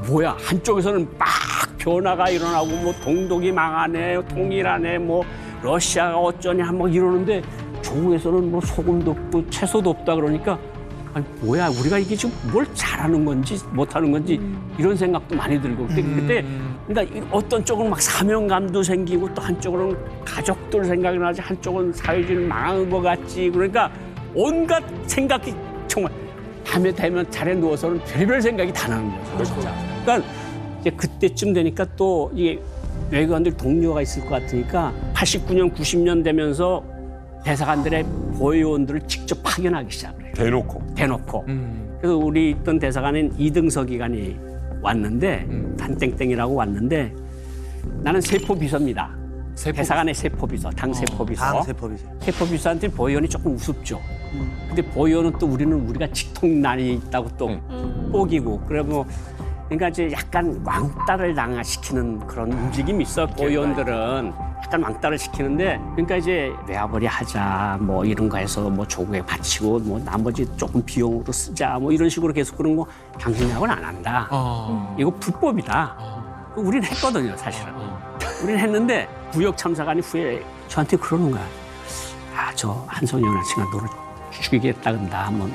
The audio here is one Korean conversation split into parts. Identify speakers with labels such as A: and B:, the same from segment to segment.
A: 뭐야 한쪽에서는 막 변화가 일어나고 뭐 동독이 망하네, 통일하네, 뭐 러시아가 어쩌냐 막 이러는데 조국에서는 뭐 소금도 없고 채소도 없다 그러니까 아니 뭐야 우리가 이게 지금 뭘 잘하는 건지 못하는 건지 이런 생각도 많이 들고 그때 그러니까 어떤 쪽은 막 사명감도 생기고 또 한쪽으로는 가족들 생각이 나지 한쪽은 사회주의 망한 것 같지 그러니까 온갖 생각이 정말 밤에 되면 자리에 누워서는 별별 생각이 다 나는 거죠 진짜. 그러니까 이제 그때쯤 되니까 또 이게 외교관들 동료가 있을 것 같으니까 89년 90년 되면서 대사관들의 보위원들을 직접 파견하기 시작해요. 대놓고. 그래서 우리 있던 대사관인 이등석 기관이 왔는데 단땡땡이라고 왔는데 나는 세포비서입니다. 대사관의 세포비서, 당 세포비서.
B: 당 세포비서.
A: 세포비서한테 보위원이 조금 우습죠. 근데 보위원은 또 우리가 직통난이 있다고 또 뽀기고 그래 뭐 그러니까 이제 약간 왕따를 당시키는 그런 움직임이 있어. 보위원들은 약간 왕따를 시키는데 그러니까 이제 외화벌이 하자 뭐 이런 거 해서 뭐 조국에 바치고 뭐 나머지 조금 비용으로 쓰자 뭐 이런 식으로 계속 그런 거 당신하고는 안 한다. 이거 불법이다. 우린 했거든요 사실은. 우린 했는데 부역 참사관이 후에 저한테 그러는 거야. 아, 저 한성현 아저씨가 너를 죽이겠다 근다. 한번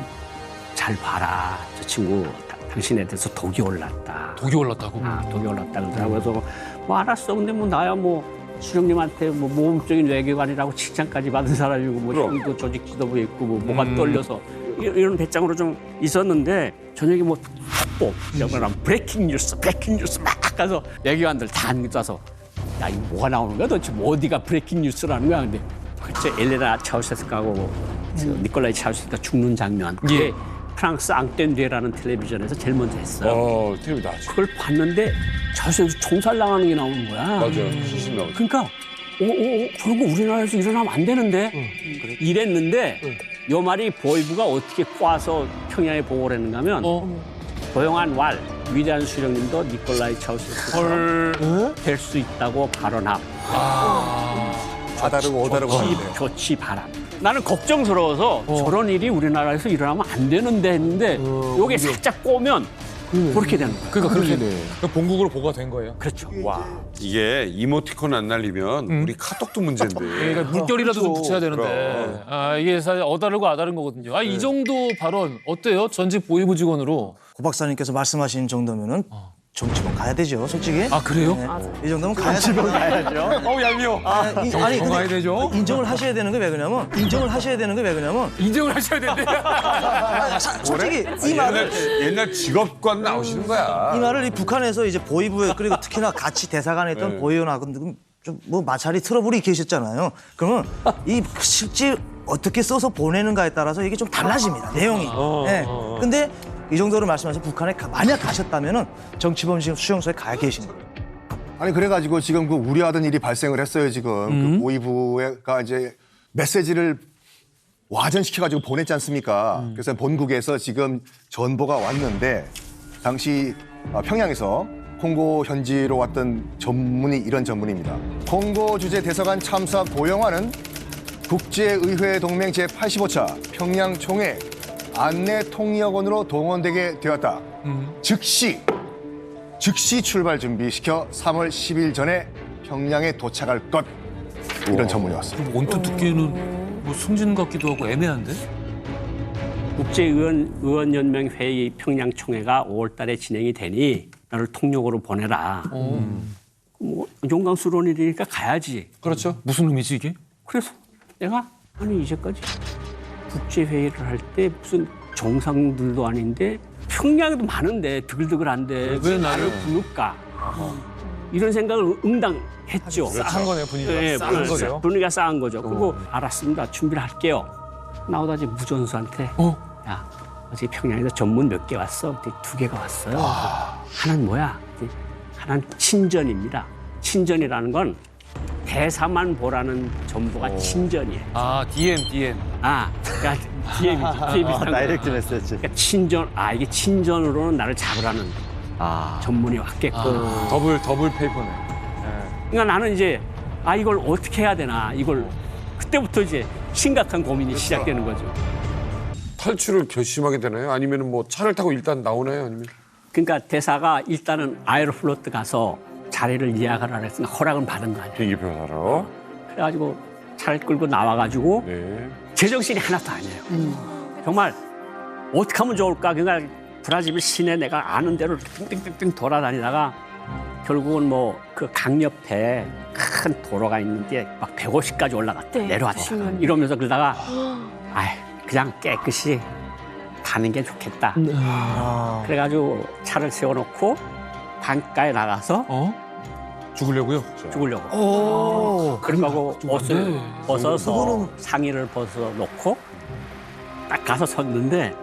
A: 잘 봐라. 저 친구 당신에 대해서 독이 올랐다.
C: 독이 올랐다고?
A: 아, 독이 올랐다 그러더라고. 그래서 뭐 알았어. 근데 뭐 나야 뭐 수령님한테 뭐 모범적인 외교관이라고 칭찬까지 받은 사람이고 뭐 형도 조직 지도부에 있고 뭐 뭐가 떨려서 이런 배짱으로 좀 있었는데 저녁에 뭐 속보 이런 브레이킹 뉴스 막 가서 외교관들 다 앉아서 야 이거 뭐가 나오는 거야 도대체 뭐 어디가 브레이킹 뉴스라는 거야 근데 그때 엘레나 차우셰스카하고 니콜라이 차우셰스카 죽는 장면 그게 프랑스 앙땡디에라는 텔레비전에서 제일 먼저 했어요.
D: 텔레비 나왔죠.
A: 그걸 봤는데 저기서 총살 당하는 게 나오는 거야.
D: 맞아, 시신 나오죠.
A: 그러니까 그런 거 우리나라에서 일어나면 안 되는데 이랬는데 요 말이 보이부가 어떻게 꼬아서 평양에 보고를 했는가 하면 고용한 왈 위대한 수령님도 니콜라이 차우셰스카처럼 될 수 있다고 발언함.
B: 아다르고 오다르고 하는데.
A: 조치 바람. 나는 걱정스러워서 저런 일이 우리나라에서 일어나면 안 되는데 했는데 요게 살짝 꼬면 그렇게 되는 거야.
C: 그러니까 그렇게 본국으로 보고가 된 거예요.
A: 그렇죠.
D: 와. 이게 이모티콘 안 날리면 우리 카톡도 문제인데.
C: 그러니까 물결이라도 좀 붙여야 되는데.
D: 그럼.
C: 아, 이게 사실 어다르고 아다른 거거든요. 아, 이 정도 발언 어때요? 전직 보위부 직원으로.
B: 고 박사님께서 말씀하신 정도면은 정치범 가야 되죠, 솔직히.
C: 아, 그래요?
B: 이 정도면 가야 되죠.
D: 얄미워.
B: 아니,
C: 가야 되죠?
B: 인정을 하셔야 되는 게 왜 그러냐면
C: 인정을 하셔야 되는데.
B: 솔직히 이 말을
D: 옛날 직업관 나오시는 거야.
B: 이 말을 이 북한에서 이제 보위부에 그리고 특히나 같이 대사관에 있던 보위원하고 좀 뭐 마찰이 트러블이 계셨잖아요. 그러면 이 실제 어떻게 써서 보내는가에 따라서 이게 좀 달라집니다, 내용이. 네. 근데 이 정도로 말씀하셔서 북한에 만약 가셨다면은 정치범 지금 수용소에 가 계신 거예요.
E: 아니 그래가지고 지금 그 우려하던 일이 발생을 했어요 지금 그 보위부가 이제 메시지를 와전시켜가지고 보냈지 않습니까? 그래서 본국에서 지금 전보가 왔는데 당시 평양에서 콩고 현지로 왔던 전문이 이런 전문입니다. 콩고 주재 대사관 참사 고영화는 국제의회 동맹 제85차 평양 총회 안내 통역원으로 동원되게 되었다. 즉시 출발 준비시켜 3월 10일 전에 평양에 도착할 것. 이런 전문이 왔습니다.
C: 언뜻 듣기에는 뭐 승진 같기도 하고 애매한데?
A: 국제의원연맹 회의 평양 총회가 5월 달에 진행이 되니 나를 통역으로 보내라. 뭐 용광스러운 일이니까 가야지.
C: 그렇죠. 무슨 의미지 이게?
A: 그래서 내가 아니 이제까지 국제회의를 할 때 무슨 정상들도 아닌데 평양에도 많은데 드글드글한데 왜 나를 부를까? 이런 생각을 응당했죠.
C: 싸한 거네요, 분위기가.
A: 네,
C: 싸한 거죠.
A: 분위기가 싸한 거죠. 그리고 알았습니다. 준비를 할게요. 나오다 이제 무전수한테 야 어제 평양에서 전문 몇 개 왔어? 근데 2개가 왔어요. 하나는 뭐야? 하나는 친전입니다. 친전이라는 건 대사만 보라는 정보가 친전이에요.
C: 아, DM.
A: 아, 그러니까 DM이지. DM 비슷한
B: 다이렉트
A: 거.
B: 메시지.
A: 그러니까 친전, 이게 친전으로는 나를 잡으라는 전문이 왔겠고.
D: 더블 페이퍼네.
A: 그러니까 나는 이제 이걸 어떻게 해야 되나 이걸 그때부터 이제 심각한 고민이 시작되는 거죠.
D: 탈출을 결심하게 되나요? 아니면 뭐 차를 타고 일단 나오나요? 아니면
A: 그러니까 대사가 일단은 아에로플로트 가서 자리를 예약하라 그랬으니까 허락은 받은 거 아니에요.
D: 비행기표 사러.
A: 그래가지고 차를 끌고 나와가지고
D: 네.
A: 제정신이 하나도 아니에요. 정말 어떻게 하면 좋을까? 그러니까 브라질 시내 내가 아는 대로 띵띵띵띵 돌아다니다가 결국은 뭐 그 강 옆에 큰 도로가 있는데 막 150까지 올라갔다
F: 네,
A: 내려왔다
F: 조심하네.
A: 이러면서 그러다가 그냥 깨끗이 가는 게 좋겠다. 그래가지고 차를 세워놓고 강가에 나가서
C: 죽으려고요?
A: 죽으려고. 그러고 옷을 벗어서
B: 그거는-
A: 상의를 벗어 놓고 딱 가서 섰는데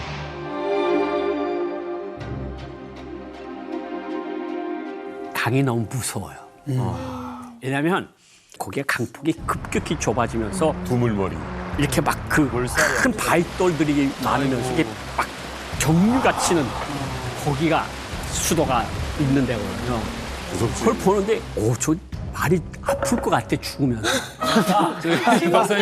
A: 강이 너무 무서워요. 왜냐하면 거기에 강폭이 급격히 좁아지면서
D: 두물머리.
A: 이렇게 막 그 큰 바위돌들이 많으면서 이게 막 정류가 치는 거기가 수도가 있는 데거든요.
D: 무섭지.
A: 그걸 보는데 저 말이 아플 것 같아 죽으면.
C: 박사님.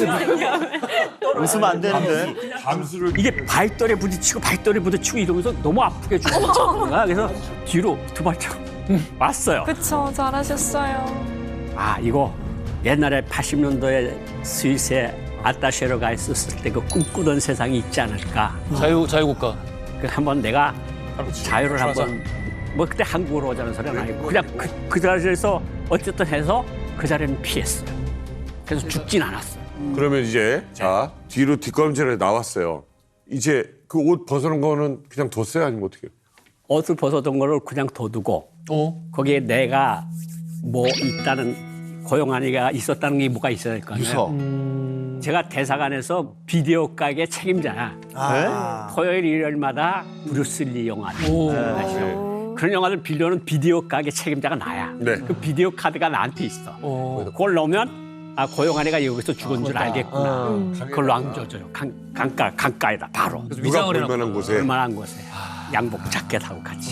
B: 웃으면 안 되는데.
D: 감수를
A: 이게 발돌에 부딪히고 이러면서 너무 아프게 죽는 거야. 그래서 뒤로 두 발짝 왔어요.
F: 그쵸, 잘하셨어요.
A: 이거 옛날에 80년도에 스위스에 아따쉐로가 있었을 때 그 꿈꾸던 세상이 있지 않을까.
C: 자유국가.
A: 그 한번 내가 자유를 한번 뭐 그때 한국으로 오자는 소리는 아니고 그냥 그 자리에서 어쨌든 해서 그 자리는 피했어요. 그래서 죽진 않았어요.
D: 그러면 이제 자 뒤로 뒷걸음질에 나왔어요. 이제 그 옷 벗어놓은 거는 그냥 뒀어요? 아니면 어떻게 해요?
A: 옷을 벗어둔 거를 그냥 둬두고 거기에 내가 뭐 있다는 고용한이가 있었다는 게 뭐가 있어야 될 거 아니에요. 제가 대사관에서 비디오 가게 책임자야. 토요일 일요일마다 브루슬리 영화를 아시죠? 그런 영화를 빌려는 비디오 가게 책임자가 나야.
D: 네.
A: 그 비디오 카드가 나한테 있어. 그걸 넣으면 고용한이가 여기서 죽은 줄 알겠구나. 그걸로 안겨줘요. 강가에다 바로.
D: 누가
C: 위장을 해놨구나.
D: 볼만한 곳에.
A: 얼마나 곳에 양복 자켓하고 같이.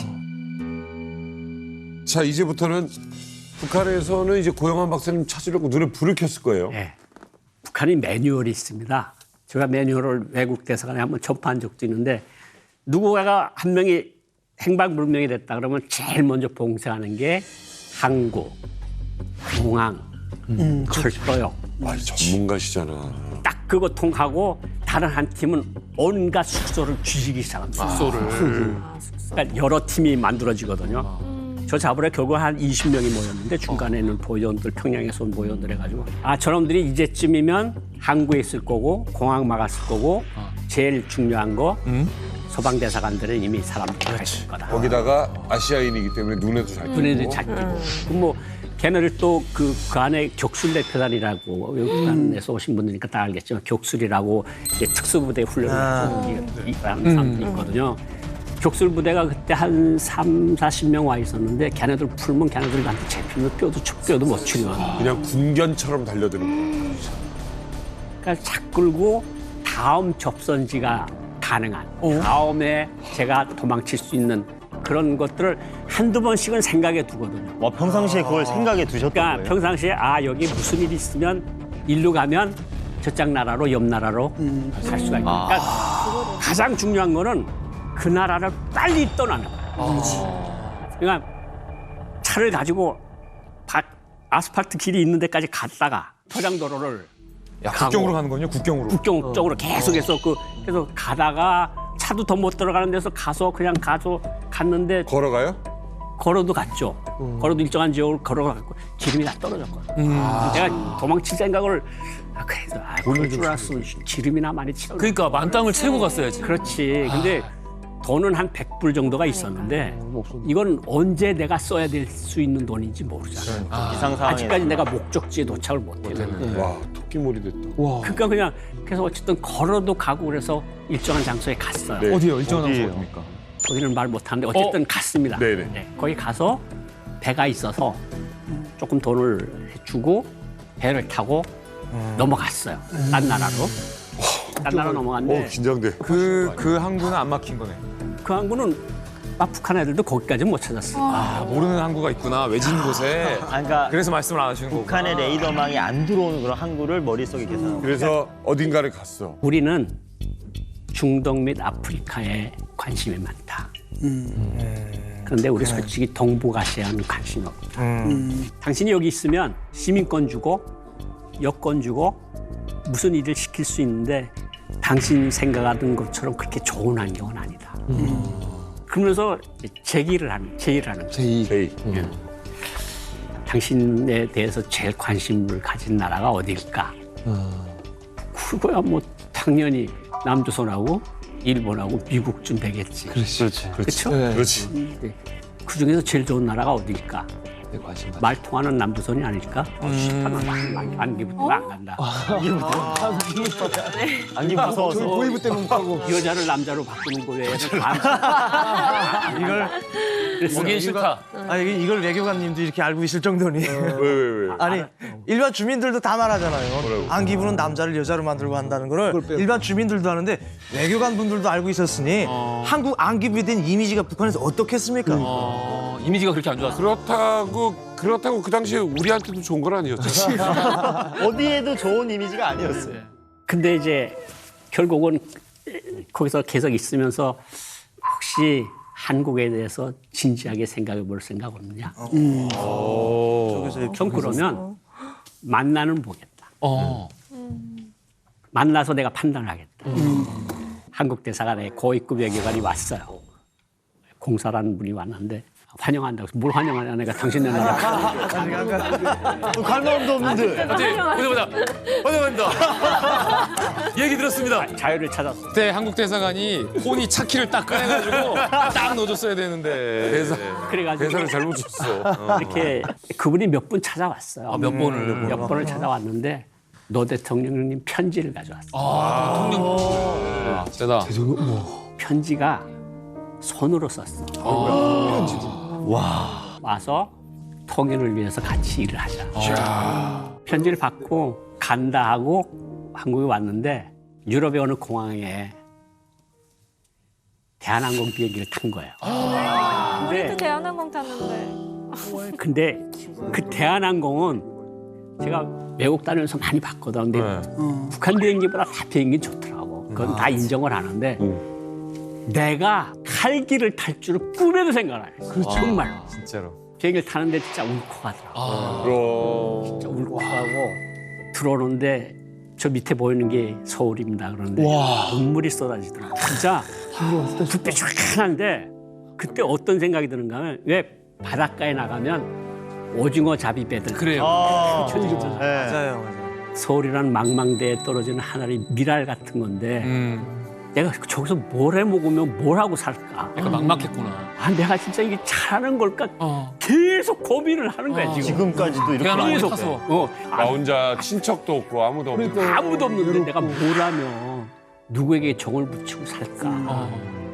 D: 자 이제부터는 북한에서는 이제 고영한 박사님 찾으려고 눈에 불을 켰을 거예요.
A: 네. 북한이 매뉴얼이 있습니다. 제가 매뉴얼을 외국 대사관에 한번 접한 적도 있는데 누구가 한 명이 행방불명이 됐다 그러면 제일 먼저 봉쇄하는 게 항구, 공항, 철도역.
D: 전문가시잖아.
A: 딱 그거 통하고 다른 한 팀은 온갖 숙소를 쥐기 시작합니다. 그러니까 여러 팀이 만들어지거든요. 저 잡으러 결국 한 20명이 모였는데 중간에 있는 보위원들, 평양에서 온 보위원들 해가지고 저놈들이 이제쯤이면 항구에 있을 거고 공항 막았을 거고 제일 중요한 거 소방대사관들은 이미 사람들이 가 있을 거다.
D: 거기다가 아시아인이기 때문에 눈에도 잘
A: 눈에도
D: 띄고.
A: 잘 띄고. 뭐 걔네를 또 그 안에 격술대표단이라고 외국에서 오신 분들이니까 다 알겠지만 격술이라고 이제 특수부대 훈련을 하는 사람들이 있거든요. 격술부대가 그때 한 40명 와 있었는데 걔네들 풀면 걔네들한테 잡히면 뼈도 못 치려.
D: 그냥 군견처럼 달려드는 거예요.
A: 그러니까 차 끌고 다음 접선지가 가능한 다음에 제가 도망칠 수 있는 그런 것들을 한두 번씩은 생각해 두거든요.
G: 평상시에 그걸 생각에 두셨던
A: 그러니까
G: 거예요?
A: 평상시에 여기 무슨 일이 있으면 일로 가면 저쪽 나라로 옆 나라로 갈 수가 있고 그러니까 가장 중요한 거는 그 나라를 빨리 떠나는 거예요. 그러니까 차를 가지고 아스팔트 길이 있는 데까지 갔다가 포장도로를
H: 국경으로 가는 거군요. 국경으로.
A: 국경 쪽으로 계속해서 그래서 가다가 차도 더 못 들어가는 데서 갔는데
D: 걸어가요?
A: 걸어도 갔죠. 걸어도 일정한 지역을 걸어갔고 기름이 다 떨어졌거든요. 제가 도망칠 생각을 그래도 그럴 줄 알았으면 기름이나 많이 채워.
C: 그러니까 만땅을 채고 갔어야지.
A: 그렇지. 근데 돈은 한 100불 정도가 있었는데 이건 언제 내가 써야 될 수 있는 돈인지 모르잖아요.
G: 비상 상황에
A: 아직까지 내가 목적지에 도착을 못해요.
D: 와 토끼몰이 됐다.
A: 그러니까 그냥 그래서 어쨌든 걸어도 가고 그래서 일정한 장소에 갔어요.
D: 네.
H: 어디요? 일정한 장소 어디입니까?
A: 거기는 말 못하는데 어쨌든 갔습니다.
D: 네네.
A: 네, 거기 가서 배가 있어서 조금 돈을 주고 배를 타고 넘어갔어요. 딴 나라로. 딴 나라 넘어갔는데
D: 긴장돼.
H: 그 항구는 안 막힌 거네.
A: 그 항구는 북한 애들도 거기까지 못 찾았어요.
H: 모르는 항구가 있구나. 외진 곳에.
G: 그러니까
H: 그래서 말씀을 안 하시는 거고.
G: 북한의 레이더망이 안 들어오는 그런 항구를 머릿속에 계산하고
D: 그래서 어딘가를 갔어.
A: 우리는 중동 및 아프리카에 관심이 많다. 그런데 우리 솔직히 동북아시아는 관심이 없다. 당신이 여기 있으면 시민권 주고 여권 주고 무슨 일을 시킬 수 있는데 당신 생각하던 것처럼 그렇게 좋은 환경은 아니다. 그러면서 제의를 하는 거예요.
D: 제이.
A: 당신에 대해서 제일 관심을 가진 나라가 어딜까? 그거야 뭐 당연히 남조선하고 일본하고 미국쯤 되겠지. 그렇죠?
D: 그렇지.
A: 그 중에서 제일 좋은 나라가 어딜까? 말 통하는 남조선이 아닐까? 안기부터 안 간다.
G: 안기 무서워서.
B: 보이부 때문에 못 가고.
A: 여자를 남자로 바꾸는 거 외에는
B: 이걸
C: 보긴 싫다.
B: 아니 이걸 외교관님도 이렇게 알고 있을 정도니.
D: 왜?
B: 아니 일반 주민들도 다 말하잖아요. 안기부는 남자를 여자로 만들고 한다는 거를 일반 주민들도 하는데 외교관 분들도 알고 있었으니 한국 안기부에 대한 이미지가 북한에서 어떻겠습니까?
C: 이미지가 그렇게 안 좋았어.
D: 그렇다고 그 당시에 우리한테도 좋은 건 아니었죠.
G: 어디에도 좋은 이미지가 아니었어요.
A: 근데 이제 결국은 거기서 계속 있으면서 혹시 한국에 대해서 진지하게 생각해 볼 생각 없느냐? 좀 그러면 만나는 보겠다. 만나서 내가 판단을 하겠다. 한국 대사관에 고위급 외교관이 왔어요. 공사라는 분이 왔는데 환영한다고. 뭘 환영하냐? 내가 당신네 나라.
B: 갈 마음도 없는데.
C: 보자. 환영합니다. 얘기 들었습니다.
A: 자유를 찾았어.
C: 그때 한국 대사관이 혼이 차키를 딱 꺼내가지고 딱 넣어줬어야 되는데.
A: 그래가지고
D: 대사를 잘못 줬어.
A: 이렇게 그분이 몇 분 찾아왔어요.
C: 몇 번을.
A: 몇 번을 찾아왔는데 노 대통령님 편지를 가져왔어요.
C: 대통령. 세다.
A: 편지가 손으로 썼어. 와서 통일을 위해서 같이 일을 하자. 편지를 받고 간다 하고 한국에 왔는데 유럽의 어느 공항에 대한항공 비행기를 탄 거예요.
F: 우리도 대한항공 탔는데.
A: 근데 그 대한항공은 제가 외국 다니면서 많이 봤거든. 근데 북한 비행기보다 다 비행기 좋더라고. 그건 다 인정을 하는데 내가 칼기를 탈 줄은 꿈에도 생각 안 했어. 정말.
H: 진짜로.
A: 비행기를 타는데 진짜 울컥하더라고. 진짜 울컥하고 들어오는데 저 밑에 보이는 게 서울입니다. 그런데 눈물이 쏟아지더라고. 진짜 그때 쫙한데 그때 어떤 생각이 드는가 하면 왜 바닷가에 나가면 오징어 잡이배들
C: 그래요.
A: 펼쳐지잖아요.
B: 맞아요.
A: 서울이라는 망망대에 떨어지는 하나의 미랄 같은 건데 내가 저기서 뭘 해 먹으면 뭘 하고 살까?
C: 약간 막막했구나.
A: 아, 내가 진짜 이게 잘하는 걸까? 계속 고민을 하는 거야, 지금.
G: 지금까지도 이렇게
C: 대한항공에
A: 계속.
C: 타서.
D: 나 혼자 친척도 없고 아무도 없고.
A: 아무도 없는데 내가 뭘 하면 누구에게 정을 붙이고 살까?